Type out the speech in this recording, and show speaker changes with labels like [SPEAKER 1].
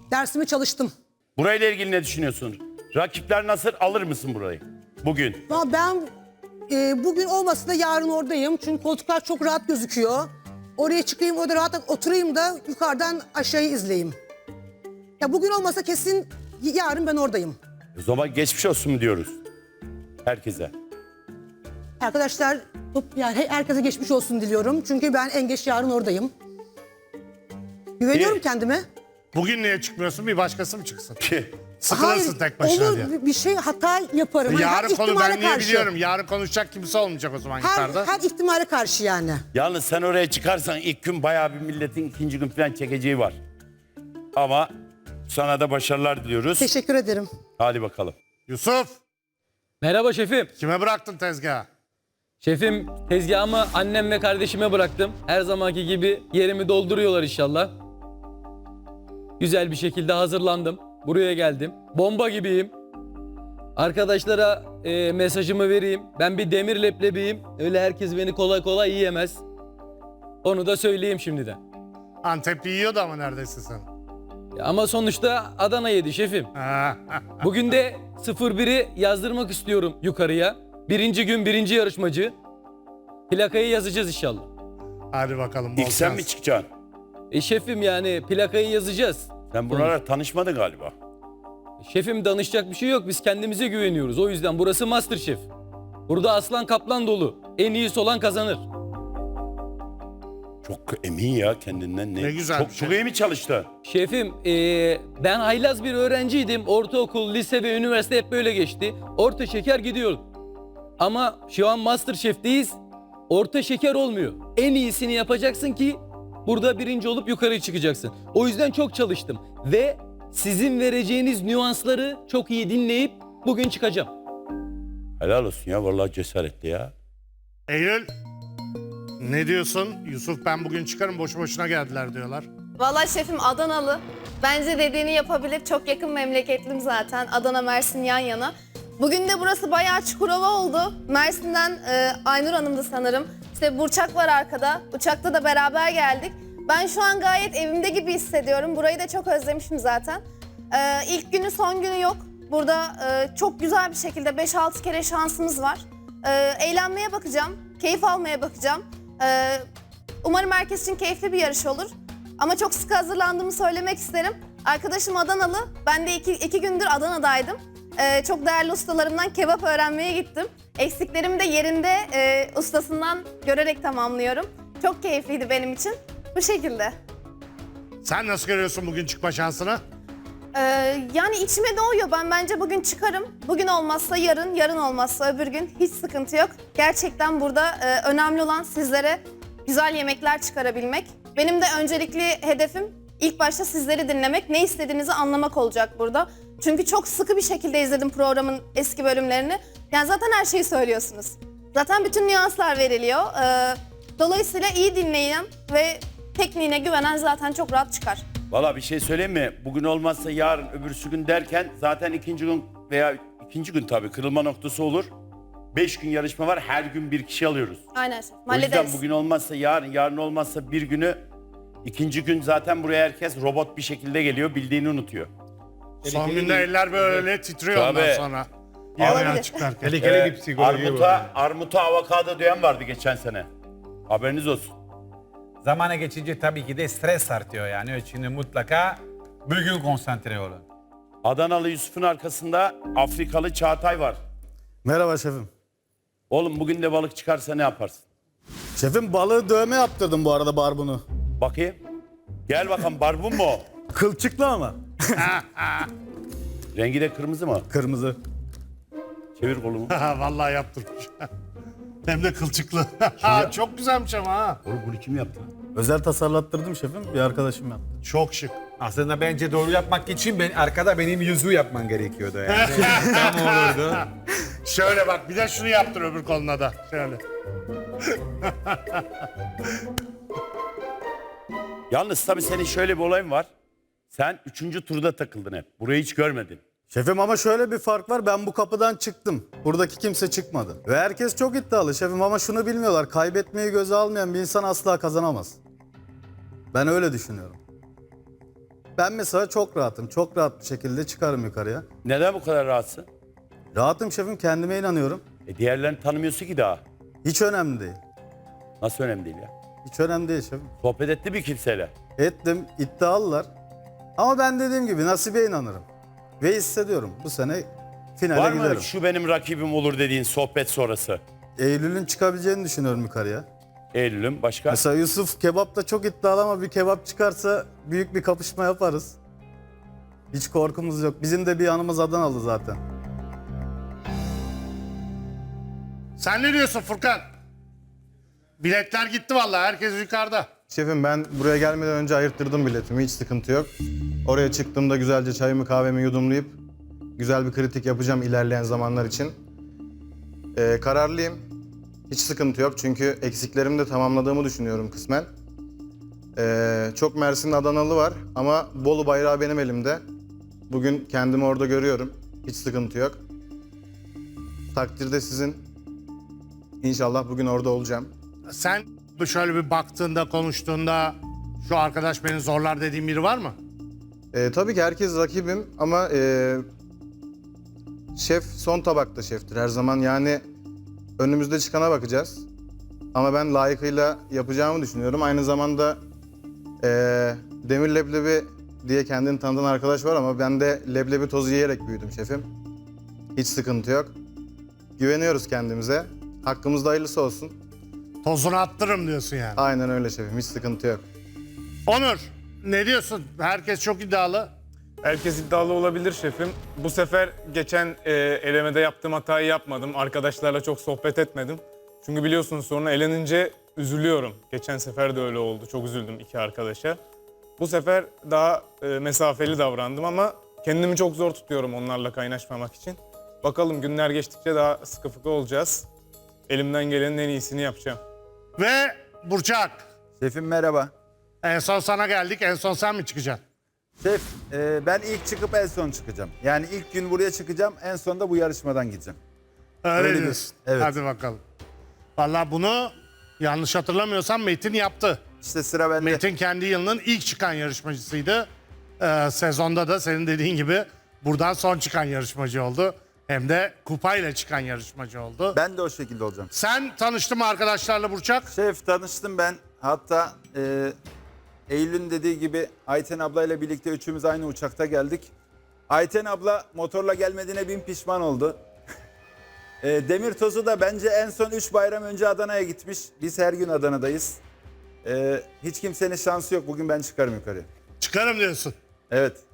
[SPEAKER 1] Dersimi çalıştım.
[SPEAKER 2] Burayla ilgili ne düşünüyorsun? Rakipler nasıl, alır mısın burayı bugün?
[SPEAKER 1] Ama ben bugün olmasa da yarın oradayım. Çünkü koltuklar çok rahat gözüküyor. Oraya çıkayım, orada rahat oturayım da yukarıdan aşağıyı izleyeyim. Ya bugün olmasa kesin yarın ben oradayım.
[SPEAKER 2] O zaman geçmiş olsun mu diyoruz herkese?
[SPEAKER 1] Arkadaşlar yani herkese geçmiş olsun diliyorum. Çünkü ben en geç yarın oradayım. Güveniyorum
[SPEAKER 2] İyi.
[SPEAKER 1] kendime.
[SPEAKER 3] Bugün niye çıkmıyorsun? Bir başkası mı çıksın?
[SPEAKER 2] Ki
[SPEAKER 3] Sıkılırsın tek başına
[SPEAKER 1] olur
[SPEAKER 3] diye.
[SPEAKER 1] bir şey hata yaparım. Hani her
[SPEAKER 3] Yarın konu
[SPEAKER 1] ihtimale
[SPEAKER 3] ben niye
[SPEAKER 1] karşı.
[SPEAKER 3] biliyorum? Yarın konuşacak kimse olmayacak o zaman
[SPEAKER 1] Her,
[SPEAKER 3] yukarıda.
[SPEAKER 1] her ihtimale karşı yani.
[SPEAKER 2] yalnız sen oraya çıkarsan ilk gün bayağı bir milletin ikinci gün falan çekeceği var. Ama sana da başarılar diliyoruz.
[SPEAKER 1] Teşekkür ederim.
[SPEAKER 2] Hadi bakalım.
[SPEAKER 3] Yusuf,
[SPEAKER 4] Merhaba şefim.
[SPEAKER 3] kime bıraktın tezgahı?
[SPEAKER 4] Şefim tezgahımı annem ve kardeşime bıraktım. Her zamanki gibi yerimi dolduruyorlar inşallah. Güzel bir şekilde hazırlandım. Buraya geldim. Bomba gibiyim. Arkadaşlara mesajımı vereyim. Ben bir demir leblebiyim. Öyle herkes beni kolay kolay yiyemez. Onu da söyleyeyim şimdiden.
[SPEAKER 3] Antep'i yiyordu ama neredeyse sen.
[SPEAKER 4] Ama sonuçta Adana yedi şefim. Bugün de 01'i yazdırmak istiyorum yukarıya. Birinci gün birinci yarışmacı. Plakayı yazacağız inşallah.
[SPEAKER 3] Hadi bakalım. bol
[SPEAKER 2] İlk sen
[SPEAKER 3] şans.
[SPEAKER 2] mi çıkacaksın?
[SPEAKER 4] Şefim yani plakayı yazacağız.
[SPEAKER 2] Sen buralara tanışmadın galiba.
[SPEAKER 4] Şefim danışacak bir şey yok. Biz kendimize güveniyoruz. O yüzden burası MasterChef. Burada aslan kaplan dolu. En iyisi olan kazanır.
[SPEAKER 2] Çok emin ya kendinden.
[SPEAKER 3] Ne güzel
[SPEAKER 2] Çok,
[SPEAKER 3] bir şey.
[SPEAKER 2] çok iyi mi çalıştı?
[SPEAKER 4] Şefim ben haylaz bir öğrenciydim. Ortaokul, lise ve üniversite hep böyle geçti. Orta şeker gidiyordum. Ama şu an MasterChef'teyiz. Orta şeker olmuyor. En iyisini yapacaksın ki burada birinci olup yukarı çıkacaksın. O yüzden çok çalıştım. Ve sizin vereceğiniz nüansları çok iyi dinleyip bugün çıkacağım.
[SPEAKER 2] Helal olsun ya, vallahi cesaretli ya.
[SPEAKER 3] Eylül, ne diyorsun? Yusuf ben bugün çıkarım, boşu boşuna geldiler diyorlar.
[SPEAKER 5] Vallahi şefim Adanalı. Bence dediğini yapabilir. Çok yakın memleketlim zaten. Adana, Mersin yan yana. Bugün de burası bayağı Çukurova oldu. Mersin'den Aynur Hanım'dı sanırım. İşte Burçak var arkada. Uçakta da beraber geldik. Ben şu an gayet evimde gibi hissediyorum. Burayı da çok özlemişim zaten. İlk günü son günü yok. Burada çok güzel bir şekilde 5-6 kere şansımız var. Eğlenmeye bakacağım. Keyif almaya bakacağım. Umarım herkes için keyifli bir yarış olur. Ama çok sıkı hazırlandığımı söylemek isterim. Arkadaşım Adanalı. Ben de iki gündür Adana'daydım. Çok değerli ustalarımdan kebap öğrenmeye gittim. Eksiklerimi de yerinde ustasından görerek tamamlıyorum. Çok keyifliydi benim için. Bu şekilde.
[SPEAKER 3] Sen nasıl görüyorsun bugün çıkma şansını?
[SPEAKER 5] Yani içime doğuyor. Ben bence bugün çıkarım. Bugün olmazsa yarın, yarın olmazsa öbür gün hiç sıkıntı yok. Gerçekten burada önemli olan sizlere güzel yemekler çıkarabilmek. Benim de öncelikli hedefim ilk başta sizleri dinlemek, ne istediğinizi anlamak olacak burada. Çünkü çok sıkı bir şekilde izledim programın eski bölümlerini. Yani zaten her şeyi söylüyorsunuz. Zaten bütün nüanslar veriliyor. Dolayısıyla iyi dinleyen ve tekniğine güvenen zaten çok rahat çıkar.
[SPEAKER 2] Vallahi bir şey söyleyeyim mi? Bugün olmazsa yarın, öbürsü gün derken zaten ikinci gün veya ikinci gün tabii kırılma noktası olur. 5 gün yarışma var, her gün bir kişi alıyoruz.
[SPEAKER 5] Aynen şef.
[SPEAKER 2] O yüzden
[SPEAKER 5] Hallederiz.
[SPEAKER 2] bugün olmazsa yarın, yarın olmazsa bir günü, ikinci gün zaten buraya herkes robot bir şekilde geliyor, bildiğini unutuyor.
[SPEAKER 3] Son günde eller böyle titriyor ondan
[SPEAKER 2] Tabii.
[SPEAKER 3] sonra. Yemeğe
[SPEAKER 5] Olabilir.
[SPEAKER 3] çıkarken.
[SPEAKER 6] Tehlikeli bir psikoloji var.
[SPEAKER 2] Armuta avokado diyen vardı geçen sene. Haberiniz olsun.
[SPEAKER 6] Zamana geçince tabii ki de stres artıyor yani. Onun için mutlaka bugün konsantre olun.
[SPEAKER 2] Adanalı Yusuf'un arkasında Afrikalı Çağatay var.
[SPEAKER 7] Merhaba şefim.
[SPEAKER 2] Oğlum bugün de balık çıkarsa ne yaparsın?
[SPEAKER 7] Şefim balığı dövme yaptırdım bu arada barbunu.
[SPEAKER 2] Bakayım. Gel bakalım, barbun mu o?
[SPEAKER 7] Kılçıklı ama.
[SPEAKER 2] Rengi de kırmızı mı?
[SPEAKER 7] Kırmızı.
[SPEAKER 2] Çevir kolumu.
[SPEAKER 3] Vallahi yaptırmış. Hem de kılçıklı. Çok güzelmiş ama ha.
[SPEAKER 2] Oğlum bunu kim yaptı?
[SPEAKER 7] Özel tasarlattırdım şefim. Bir arkadaşım yaptı.
[SPEAKER 3] Çok şık.
[SPEAKER 6] Aslında bence doğru yapmak için arkada benim yüzüğü yapman gerekiyordu yani. Tam olurdu.
[SPEAKER 3] Şöyle bak, bir de şunu yaptır öbür koluna da. Şöyle.
[SPEAKER 2] Yalnız tabii senin şöyle bir olayın var. Sen 3. turda takıldın hep. Burayı hiç görmedin.
[SPEAKER 7] Şefim ama şöyle bir fark var. Ben bu kapıdan çıktım. Buradaki kimse çıkmadı. Ve herkes çok iddialı şefim ama şunu bilmiyorlar. Kaybetmeyi göze almayan bir insan asla kazanamaz. Ben öyle düşünüyorum. Ben mesela çok rahatım. Çok rahat bir şekilde çıkarım yukarıya.
[SPEAKER 2] Neden bu kadar rahatsın?
[SPEAKER 7] Rahatım şefim, kendime inanıyorum.
[SPEAKER 2] Diğerlerini tanımıyorsun ki daha.
[SPEAKER 7] Hiç önemli değil.
[SPEAKER 2] Nasıl önemli değil ya?
[SPEAKER 7] Hiç önemli değil şefim.
[SPEAKER 2] Sohbet etti bir kimseyle.
[SPEAKER 7] Ettim, iddialılar. Ama ben dediğim gibi nasibe inanırım. Ve hissediyorum bu sene finale
[SPEAKER 2] Var mı
[SPEAKER 7] giderim.
[SPEAKER 2] şu benim rakibim olur dediğin sohbet sonrası?
[SPEAKER 7] Eylül'ün çıkabileceğini düşünüyorum yukarıya.
[SPEAKER 2] Eylül'üm başka?
[SPEAKER 7] Mesela Yusuf kebapta çok iddialı ama bir kebap çıkarsa büyük bir kapışma yaparız. Hiç korkumuz yok. Bizim de bir yanımız Adanalı zaten.
[SPEAKER 3] Sen ne diyorsun Furkan? Biletler gitti vallahi, herkes yukarıda.
[SPEAKER 8] Şefim ben buraya gelmeden önce ayırttırdım biletimi, hiç sıkıntı yok. Oraya çıktığımda güzelce çayımı kahvemi yudumlayıp güzel bir kritik yapacağım ilerleyen zamanlar için. Kararlıyım, hiç sıkıntı yok çünkü eksiklerimi de tamamladığımı düşünüyorum kısmen. Çok Mersin'in Adanalı var ama Bolu bayrağı benim elimde. Bugün kendimi orada görüyorum, hiç sıkıntı yok. Takdir de sizin. İnşallah bugün orada olacağım.
[SPEAKER 3] Sen şöyle bir baktığında, konuştuğunda şu arkadaş beni zorlar dediğin biri var mı?
[SPEAKER 8] Tabii ki herkes rakibim ama şef son tabakta şeftir her zaman. Yani önümüzde çıkana bakacağız. Ama ben layıkıyla yapacağımı düşünüyorum. Aynı zamanda Demir Leblebi diye kendini tanıtan arkadaş var ama ben de leblebi tozu yiyerek büyüdüm şefim. Hiç sıkıntı yok. Güveniyoruz kendimize. Hakkımızda hayırlısı olsun.
[SPEAKER 3] Tozunu attırırım diyorsun yani.
[SPEAKER 8] Aynen öyle şefim, hiç sıkıntı yok.
[SPEAKER 3] Onur, ne diyorsun? Herkes çok iddialı.
[SPEAKER 9] Herkes iddialı olabilir şefim. Bu sefer geçen elemede yaptığım hatayı yapmadım. Arkadaşlarla çok sohbet etmedim. Çünkü biliyorsunuz sonra elenince üzülüyorum. Geçen sefer de öyle oldu. Çok üzüldüm iki arkadaşa. Bu sefer daha mesafeli davrandım ama kendimi çok zor tutuyorum onlarla kaynaşmamak için. Bakalım günler geçtikçe daha sıkı fıkı olacağız. Elimden gelenin en iyisini yapacağım.
[SPEAKER 3] Ve Burçak,
[SPEAKER 10] Şefim merhaba.
[SPEAKER 3] en son sana geldik. En son sen mi çıkacaksın?
[SPEAKER 10] Şef, ben ilk çıkıp en son çıkacağım. Yani ilk gün buraya çıkacağım, en son da bu yarışmadan gideceğim.
[SPEAKER 3] Öyle
[SPEAKER 10] Öyle
[SPEAKER 3] diyorsun.
[SPEAKER 10] evet.
[SPEAKER 3] Hadi bakalım. Vallahi bunu yanlış hatırlamıyorsam Metin yaptı.
[SPEAKER 10] İşte sıra bende.
[SPEAKER 3] Metin kendi yılının ilk çıkan yarışmacısıydı. Sezonda da senin dediğin gibi buradan son çıkan yarışmacı oldu. Hem de kupayla çıkan yarışmacı oldu.
[SPEAKER 10] Ben de o şekilde olacağım.
[SPEAKER 3] Sen tanıştın mı arkadaşlarla Burçak?
[SPEAKER 10] Şef tanıştım ben. Hatta Eylül'ün dediği gibi Ayten ablayla birlikte üçümüz aynı uçakta geldik. Ayten abla motorla gelmediğine bin pişman oldu. Demir Tozu da bence en son 3 bayram önce Adana'ya gitmiş. Biz her gün Adana'dayız. Hiç kimsenin şansı yok. Bugün ben çıkarım yukarıya.
[SPEAKER 3] Çıkarım diyorsun.
[SPEAKER 10] Evet.